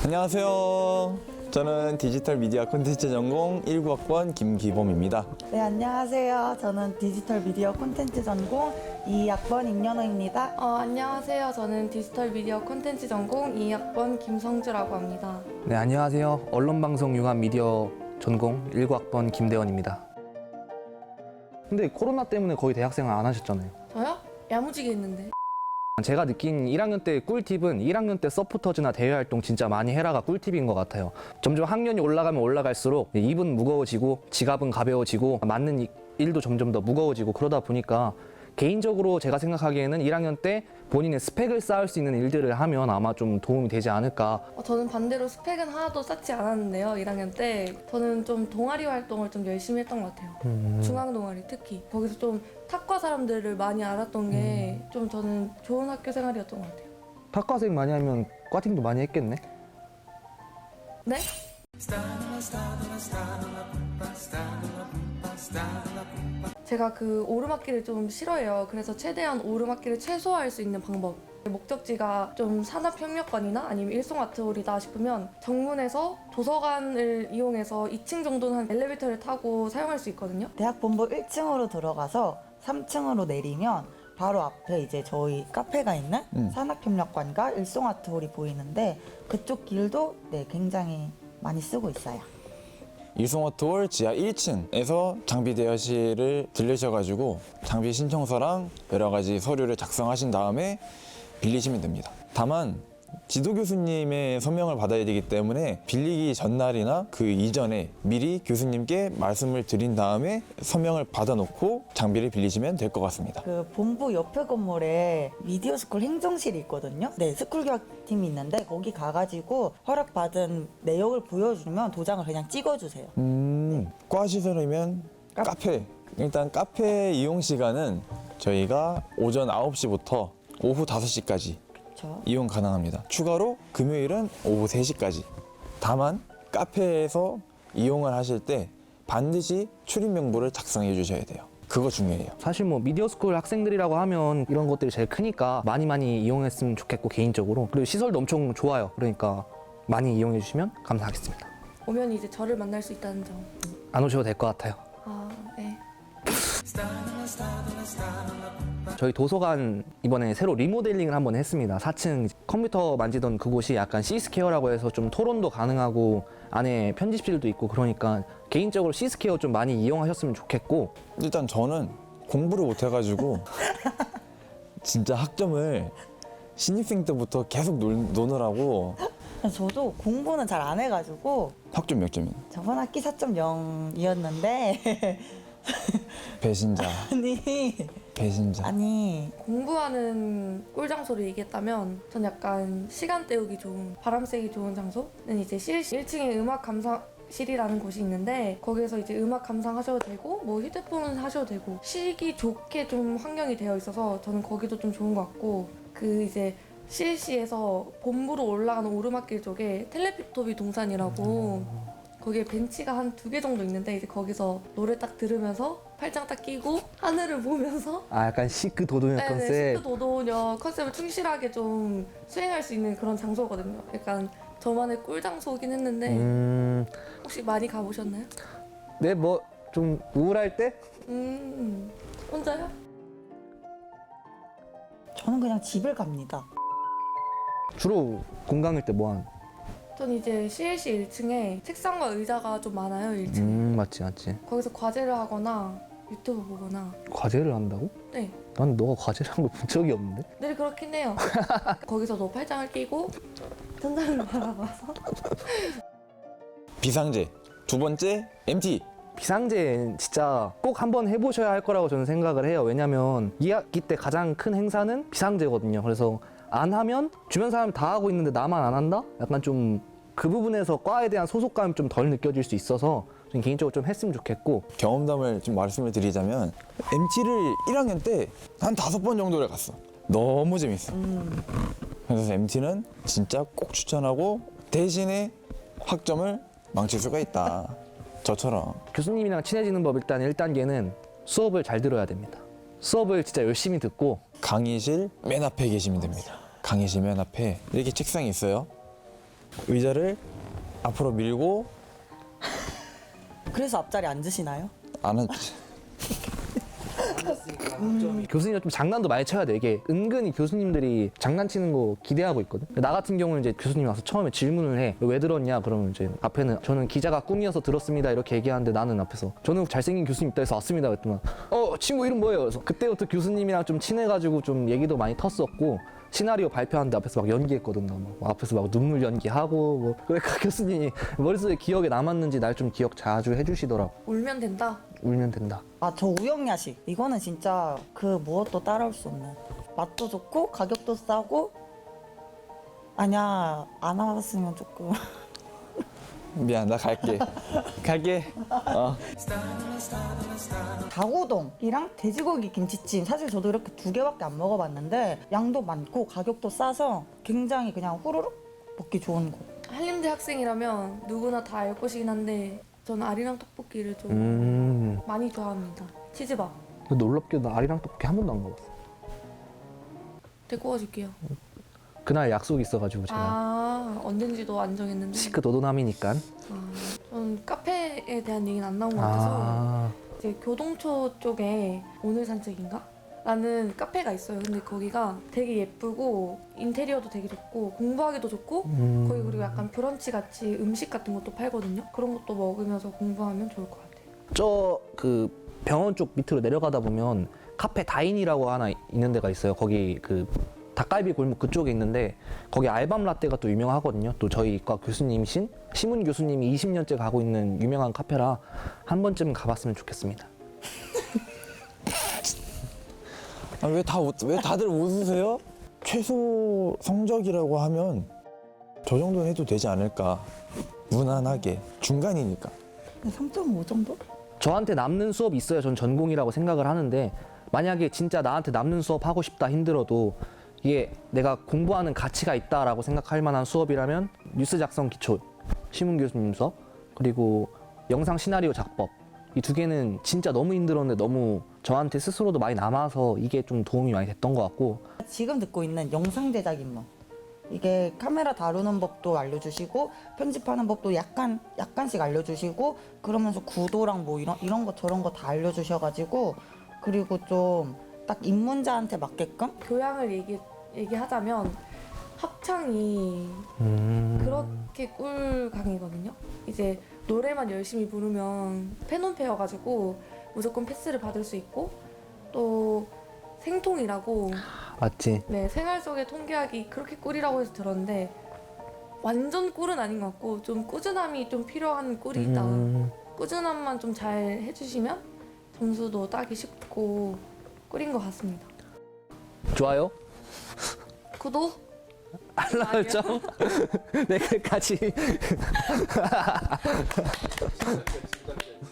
안녕하세요. 저는 디지털 미디어 콘텐츠 전공 19학번 김기범입니다. 네, 안녕하세요. 저는 디지털 미디어 콘텐츠 전공 2학번 임연호입니다. 안녕하세요. 저는 디지털 미디어 콘텐츠 전공 2학번 김성주라고 합니다. 네, 안녕하세요. 언론방송 융합 미디어 전공 19학번 김대원입니다. 근데 코로나 때문에 거의 대학생활 안 하셨잖아요. 저요? 야무지게 했는데. 제가 느낀 1학년 때 꿀팁은 1학년 때 서포터즈나 대외활동 진짜 많이 해라가 꿀팁인 것 같아요. 점점 학년이 올라가면 올라갈수록 입은 무거워지고 지갑은 가벼워지고 맞는 일도 점점 더 무거워지고 그러다 보니까 개인적으로 제가 생각하기에는 1학년 때 본인의 스펙을 쌓을 수 있는 일들을 하면 아마 좀 도움이 되지 않을까. 저는 반대로 스펙은 하나도 쌓지 않았는데요. 1학년 때 저는 좀 동아리 활동을 좀 열심히 했던 것 같아요. 중앙 동아리 특히. 거기서 좀 탁과 사람들을 많이 알았던 게 좀 저는 좋은 학교 생활이었던 것 같아요. 탁과생 많이 하면 과팅도 많이 했겠네? 네? 제가 그 오르막길을 좀 싫어해요. 그래서 최대한 오르막길을 최소화할 수 있는 방법. 목적지가 좀 산업협력관이나 아니면 일송아트홀이다 싶으면 정문에서 도서관을 이용해서 2층 정도는 한 엘리베이터를 타고 사용할 수 있거든요. 대학 본부 1층으로 들어가서 3층으로 내리면 바로 앞에 이제 저희 카페가 있는 산학협력관과 일송아트홀이 보이는데 그쪽 길도 네, 굉장히 많이 쓰고 있어요. 일송아트홀 지하 1층에서 장비 대여실을 들르셔가지고 장비 신청서랑 여러 가지 서류를 작성하신 다음에 빌리시면 됩니다. 다만 지도 교수님의 서명을 받아야 되기 때문에 빌리기 전날이나 그 이전에 미리 교수님께 말씀을 드린 다음에 서명을 받아놓고 장비를 빌리시면 될 것 같습니다. 그 본부 옆에 건물에 미디어 스쿨 행정실이 있거든요. 네, 스쿨 교학팀이 있는데 거기 가가지고 허락받은 내역을 보여주면 도장을 그냥 찍어주세요. 과 시설이면 카페. 일단 카페 이용 시간은 저희가 오전 9시부터 오후 5시까지 그렇죠. 이용 가능합니다. 추가로 금요일은 오후 3시까지. 다만 카페에서 이용을 하실 때 반드시 출입 명부를 작성해 주셔야 돼요. 그거 중요해요. 사실 뭐 미디어스쿨 학생들이라고 하면 이런 것들이 제일 크니까 많이 이용했으면 좋겠고 개인적으로. 그리고 시설도 엄청 좋아요. 그러니까 많이 이용해 주시면 감사하겠습니다. 오면 이제 저를 만날 수 있다는 점. 안 오셔도 될 것 같아요. 네. 저희 도서관 이번에 새로 리모델링을 한번 했습니다. 4층 컴퓨터 만지던 그곳이 약간 C스퀘어라고 해서 좀 토론도 가능하고 안에 편집실도 있고 그러니까 개인적으로 C스퀘어 좀 많이 이용하셨으면 좋겠고. 일단 저는 공부를 못 해가지고 진짜 학점을 신입생 때부터 계속 노느라고. 저도 공부는 잘 안 해가지고 학점 몇 점이에요? 저번 학기 4.0이었는데 배신자. 배신자. 아니 공부하는 꿀장소를 얘기했다면 전 약간 시간 때우기 좋은, 바람 쐬기 좋은 장소는 이제 CLC 1층에 음악 감상실이라는 곳이 있는데 거기서 이제 음악 감상하셔도 되고 뭐 휴대폰 하셔도 되고 쉬기 좋게 좀 환경이 되어 있어서 저는 거기도 좀 좋은 것 같고 그 이제 CLC에서 본부로 올라가는 오르막길 쪽에 텔레피토비 동산이라고 거기에 벤치가 한 2개 정도 있는데 이제 거기서 노래 딱 들으면서 팔짱 딱 끼고 하늘을 보면서 약간 시크 도도녀 컨셉. 시크 도도녀 컨셉을 충실하게 좀 수행할 수 있는 그런 장소거든요. 약간 저만의 꿀 장소긴 했는데 혹시 많이 가보셨나요? 네, 뭐 좀 우울할 때? 혼자요? 저는 그냥 집을 갑니다. 주로 공강일 때 뭐 하는? 전 이제 CLC 1층에 책상과 의자가 좀 많아요. 1층에. 맞지. 거기서 과제를 하거나 유튜브 보거나. 과제를 한다고? 네. 난 너가 과제를 한 걸 본 적이 없는데? 늘 그렇긴 해요. 거기서도 팔짱을 끼고 천장을 바라봐서. 비상제. 두 번째 MT. 비상제 진짜 꼭 한번 해보셔야 할 거라고 저는 생각을 해요. 왜냐면 2학기 때 가장 큰 행사는 비상제거든요. 그래서 안 하면 주변 사람 다 하고 있는데 나만 안 한다? 약간 좀 그 부분에서 과에 대한 소속감이 좀 덜 느껴질 수 있어서 저는 개인적으로 좀 했으면 좋겠고. 경험담을 좀 말씀을 드리자면 MT를 1학년 때 한 5번 정도를 갔어. 너무 재밌어. 그래서 MT는 진짜 꼭 추천하고 대신에 학점을 망칠 수가 있다. 저처럼. 교수님이랑 친해지는 법 일단 1단계는 수업을 잘 들어야 됩니다. 수업을 진짜 열심히 듣고 강의실 맨 앞에 계시면 됩니다. 강의실 맨 앞에 이렇게 책상이 있어요. 의자를 앞으로 밀고 그래서 앞자리 앉으시나요? 안 앉지. 교수님은 좀 장난도 많이 쳐야 돼. 이게 은근히 교수님들이 장난치는 거 기대하고 있거든. 나 같은 경우는 이제 교수님이 와서 처음에 질문을 해. 왜 들었냐? 그러면 이제 앞에는 저는 기자가 꿈이어서 들었습니다. 이렇게 얘기하는데 나는 앞에서 저는 잘생긴 교수님 있다 해서 왔습니다. 그랬더니 친구 이름 뭐예요? 그래서 그때부터 교수님이랑 좀 친해가지고 좀 얘기도 많이 텄었고 시나리오 발표하는데 앞에서 막 연기했거든. 나 막 앞에서 막 눈물 연기하고 뭐 그러니까 교수님이 머릿속에 기억에 남았는지 날 좀 기억 자주 해주시더라고. 울면 된다. 울면 된다. 아, 저 우영야식. 이거는 진짜 그 무엇도 따라올 수 없는. 맛도 좋고 가격도 싸고. 아니야, 안 와봤으면 조금. 미안, 나 갈게. 갈게. 닭우동이랑 돼지고기 김치찜. 사실 저도 이렇게 2개밖에 안 먹어봤는데 양도 많고 가격도 싸서 굉장히 그냥 후루룩 먹기 좋은 곳. 한림대 학생이라면 누구나 다 알 것이긴 한데 저는 아리랑 떡볶이를 좀 많이 좋아합니다. 치즈밥. 놀랍게도 나 아리랑 떡볶이 한 번도 안 가봤어. 데리고 가줄게요. 그날 약속이 있어가지고 제가 언젠지도 안 정했는데. 시크도도남이니까. 저는 카페에 대한 얘기는 안 나온 것 같아서 이제 교동초 쪽에 오늘 산책인가? 라는 카페가 있어요. 근데 거기가 되게 예쁘고 인테리어도 되게 좋고 공부하기도 좋고 거기 그리고 약간 브런치 같이 음식 같은 것도 팔거든요. 그런 것도 먹으면서 공부하면 좋을 것 같아요. 저 그 병원 쪽 밑으로 내려가다 보면 카페 다인이라고 하나 있는 데가 있어요. 거기 그 닭갈비 골목 그쪽에 있는데 거기 알밤 라떼가 또 유명하거든요. 또 저희 과 교수님이신 심은 교수님이 20년째 가고 있는 유명한 카페라 한 번쯤 가봤으면 좋겠습니다. 왜 다들 웃으세요? 최소 성적이라고 하면 저 정도는 해도 되지 않을까. 무난하게. 중간이니까. 3.5 정도? 저한테 남는 수업이 있어야 전 전공이라고 생각을 하는데 만약에 진짜 나한테 남는 수업 하고 싶다 힘들어도 이게 내가 공부하는 가치가 있다라고 생각할 만한 수업이라면 뉴스 작성 기초 심은 교수님 수업 그리고 영상 시나리오 작법 이 2개는 진짜 너무 힘들었는데 너무 저한테 스스로도 많이 남아서 이게 좀 도움이 많이 됐던 것 같고 지금 듣고 있는 영상 제작 임무. 이게 카메라 다루는 법도 알려주시고 편집하는 법도 약간씩 알려주시고 그러면서 구도랑 뭐 이런 거 저런 거 다 알려주셔가지고 그리고 좀 딱 입문자한테 맞게끔 교양을 얘기하자면 합창이 그렇게 꿀 강의거든요. 이제 노래만 열심히 부르면 패논패여가지고 무조건 패스를 받을 수 있고 또 생통이라고 맞지? 네 생활 속의 통계학이 그렇게 꿀이라고 해서 들었는데 완전 꿀은 아닌 것 같고 좀 꾸준함이 좀 필요한 꿀이 있다. 꾸준함만 좀 잘 해주시면 점수도 따기 쉽고 꿀인 것 같습니다. 좋아요? 구독? 알람 설정? 네, 끝까지.